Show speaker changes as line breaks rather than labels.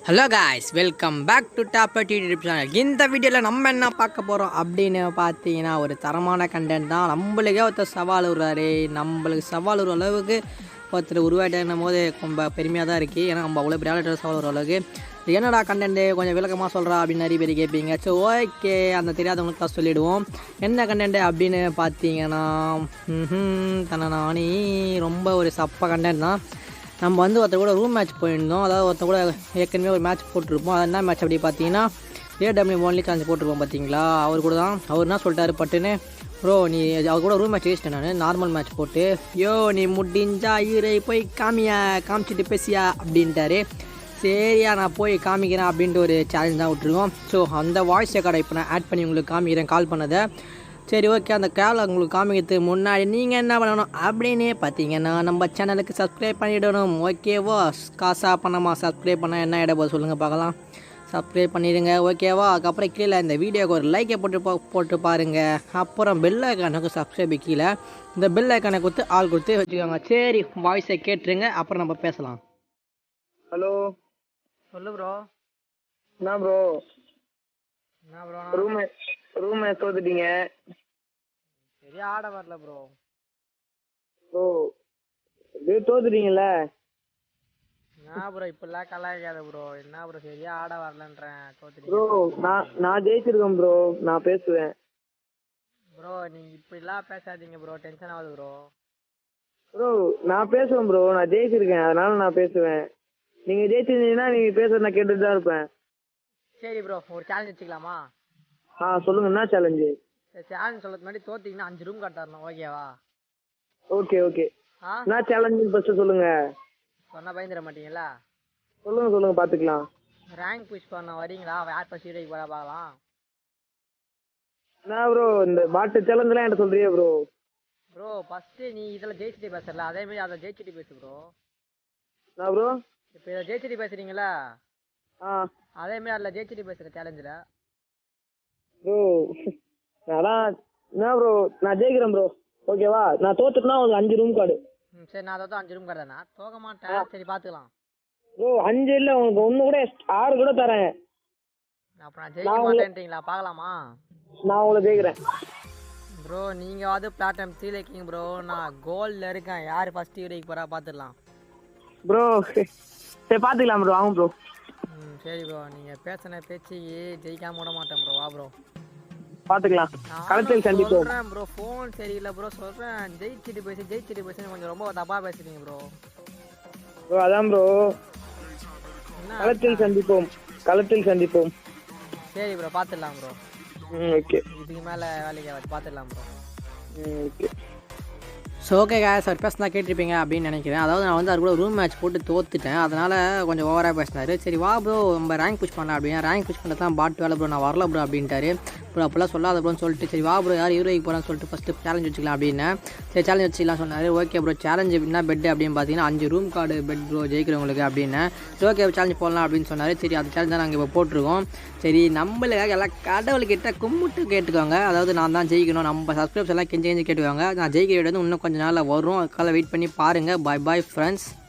Hello guys, welcome back to topper YouTube channel. இந்த வீடியோவில் நம்ம என்ன பார்க்க போகிறோம் அப்படின்னு பார்த்தீங்கன்னா, ஒரு தரமான கண்டென்ட் தான். நம்மளுக்கே ஒருத்தர் சவால் விடுறாரு. நம்மளுக்கு சவால் விடுற அளவுக்கு ஒருத்தர் உருவாயிட்டேன்னும் போது ரொம்ப பெருமையாக தான் இருக்குது. ஏன்னா நம்ம அவ்வளோ பெரிய சவால் விடுற அளவுக்கு என்னடா கண்டென்ட்டு கொஞ்சம் விளக்கமாக சொல்கிறா அப்படின்னு நிறைய பேர் கேட்பீங்க. ஸோ ஓகே, அந்த தெரியாதவங்களுக்கு தான் சொல்லிவிடுவோம். என்ன கண்டென்ட்டு அப்படின்னு பார்த்தீங்கன்னா, நானே ரொம்ப ஒரு சப்ப கண்டென்ட் தான். நம்ம ஒருத்தர் கூட ரூம் மேட்ச் போயிருந்தோம். அதாவது ஒருத்தர் கூட ஏற்கனவே ஒரு மேட்ச் போட்டிருப்போம். அது என்ன மேட்ச் அப்படி பார்த்தீங்கன்னா, AW ஒன்லி சான்ஸ் போட்டிருப்போம் பார்த்தீங்களா. அவர் கூட தான். அவர் என்ன சொல்லிட்டாரு பட்டுன்னு, ப்ரோ நீ அவர் கூட ரூம் மேட்ச் ஜெயிச்சிட்டேன் நான் நார்மல் மேட்ச் போட்டு. நீ முடிஞ்சா போய் காமிச்சிட்டு பேசியா அப்படின்ட்டாரு. சரியா நான் போய் காமிக்கிறேன் அப்படின்ட்டு ஒரு சேலஞ்ச் தான் விட்டுருக்கோம். ஸோ அந்த வாய்ஸ் ரெக்கார்டை இப்போ நான் ஆட் பண்ணி உங்களுக்கு காமிக்கிறேன் கால் பண்ணதை. சரி ஓகே, அந்த கேவலை உங்களுக்கு காமிக்கிறதுக்கு முன்னாடி நீங்கள் என்ன பண்ணணும் அப்படின்னு பார்த்தீங்கன்னா, நம்ம சேனலுக்கு சப்ஸ்கிரைப் பண்ணிவிடணும். ஓகேவா? காசா பணமா சப்ஸ்கிரைப் பண்ணால் என்ன இடப்போ சொல்லுங்கள் பார்க்கலாம். சப்ஸ்கிரைப் பண்ணிடுங்க ஓகேவா? அதுக்கப்புறம் கீழே இந்த வீடியோக்கு ஒரு லைக்கை போட்டு பாருங்கள். அப்புறம் பெல் ஐக்கானுக்கு சப்ஸ்கிரைப் கீழே இந்த பெல் ஐக்கானை கொடுத்து ஆள் கொடுத்து வச்சுக்கோங்க. சரி, வாய்ஸை கேட்டுருங்க, அப்புறம் நம்ம பேசலாம்.
ஹலோ,
சொல்லு ப்ரோ.
என்ன ப்ரோ ரூம் தோத்துட்டீங்க.
சரி, ஆட வரல ப்ரோ.
ப்ரோ அப்படியே தோத்துட்டீங்கல்ல.
என்ன ப்ரோ இப்பெல்லாம் கலாய்க்காத ப்ரோ. என்ன ப்ரோ சரியா ஆட வரலன்றேன்.
ப்ரோ நான் ஜெயிச்சிருக்கேன் ப்ரோ. நான் பேசுவேன்
ப்ரோ. நீங்க இப்படிலாம் பேசாதீங்க ப்ரோ, டென்ஷன் ஆகுது ப்ரோ.
ப்ரோ நான் பேசுவேன் ப்ரோ. நான் ஜெயிச்சிருக்கேன், அதனால நான் பேசுவேன். நீங்க ஜெயிச்சிருந்தீங்கன்னா நீங்க பேசுறது நான் கேட்டுட்டு தான் இருப்பேன்.
சரி ப்ரோ, ஒரு சேலஞ்ச் வச்சுக்கலாமா?
சொல்லுங்க, என்ன சேலஞ்சு?
சேலஞ்ச் சொல்றது முன்னாடி தோத்தீங்கன்னா 5 ரூம் கார்டு தரணும். ஓகேவா?
ஓகே என்ன சேலஞ்சு ஃபர்ஸ்ட் சொல்லுங்க.
சொன்னா பயந்துட மாட்டீங்களா?
சொல்லுங்க பாத்துக்கலாம்.
ரேங்க் புஷ் பண்ண வரீங்களா? யார் ஃபர்ஸ்ட் ஹீரோக்கு போட பார்க்கலாம்.
என்ன ப்ரோ இந்த பாட்டு சேலஞ்சுலாம் என்ன சொல்றியே ப்ரோ?
ப்ரோ ஃபர்ஸ்ட் நீ இதில் ஜெயிச்சிட்டு பேசல, அதே மாதிரி அதை ஜெயிச்சிட்டு பேசு ப்ரோ.
என்ன ப்ரோ
இப்போ இதை ஜெயிச்சிட்டு பேசுறீங்களா? அதே மாதிரி அதில் ஜெயிச்சிட்டு பேசுகிற சேலஞ்சில்
ப்ரோ அதான் என்ன ப்ரோ, நான் ஜெயிக்கிறேன் ப்ரோ. ஓகேவா? நான் தோத்துட்டுனா உங்களுக்கு 5 ரூம் கார்டு.
சரி, நான் அதான் 5 ரூம் கார்டு தானே, தோக்க மாட்டேன். சரி பார்த்துக்கலாம்
ப்ரோ. 5 இல்லை, உங்களுக்கு 1 கூட 6 கூட தரேன்.
அப்புறம் நான் ஜெயிக்க மாட்டேன்றீங்களா? பார்க்கலாமா?
நான் உங்களை ஜெயிக்கிறேன்
ப்ரோ. நீங்கள் பிளாட்ஃபார்ம் 3 இருக்கீங்க ப்ரோ. நான் கோல்டில் இருக்கேன். யார் ஃபர்ஸ்ட் ஹீரோக்கு போகிறா பார்த்துடலாம்
ப்ரோ. சரி பார்த்துக்கலாம் ப்ரோ. ஆகும் ப்ரோ.
சரி ப்ரோ, நீங்கள் பேசின பேச்சு ஜெயிக்காம விட மாட்டேன் ப்ரோ. வா ப்ரோ,
பார்த்துக்கலாம். களத்தில் சந்திப்போம்.
சொல்கிறேன் ப்ரோ, ஃபோன் சரியில்லை ப்ரோ. சொல்கிறேன், ஜெயிச்சிட்டு பேசுன்னு கொஞ்சம் ரொம்ப தப்பாக பேசுறீங்க ப்ரோ.
அதான் ப்ரோ, களத்தில் சந்திப்போம்.
சரி ப்ரோ, பார்த்துடலாம் ப்ரோ.
ஓகே,
இதுக்கு மேலே வேலைக்கு பார்த்துடலாம் bro.
Okay.
So okay guys, அவர் பேசினா கேட்டிருப்பீங்க அப்படின்னு நினைக்கிறேன். அதாவது நான் அவர் கூட ரூம் மேட்ச் போட்டு தோத்துட்டேன், அதனால் கொஞ்சம் ஓவராக பேசினார். சரி வா ப்ரோ, நம்ம ரேங்க் புஷ் பண்ணலாம் அப்படின்னா, ரேங்க் புஷ் பண்ண தான் பாட்டு வேலை ப்ரோ, நான் வரல ப்ரோ அப்படின்ட்டாரு. ப்ரோ அப்போல்லாம் சொல்லாத ப்ரோன்னு சொல்லிட்டு, சரி வா ப்ரோ யார் ஹீரோக்கு போகிறான்னு சொல்லிட்டு ஃபஸ்ட்டு சேலஞ்ச் வச்சுக்கலாம் அப்படின்னு. சரி சேலஞ்ச் வச்சுக்கலாம் சொன்னார். ஓகே ப்ரோ, சேலஞ்சு என்ன பெட் அப்படின்னு பார்த்தீங்கன்னா 5 ரூம் கார்டு பெட் ப்ரோ ஜெயிக்கிறவங்களுக்கு அப்படின்னு. சரி ஓகே சேலஞ்ச் போடலாம் அப்படின்னு சொன்னார். சரி அந்த சேலஞ்ச் தான் நாங்கள் இப்போ போட்டிருக்கோம். சரி நம்மளுக்காக எல்லாம் கடவுள்கிட்ட கும்பிட்டு கேட்டுக்கோங்க. அதாவது நான் தான் ஜெயிக்கணும், நம்ம சப்ஸ்கிரைப்ஸ் எல்லாம் கெஞ்சி கேட்டுக்கோங்க. நான் ஜெயிக்க வேண்டியது இன்னும் கொஞ்சம் நாளில் வரும், அதுக்காக வெயிட் பண்ணி பாருங்கள். Bye friends.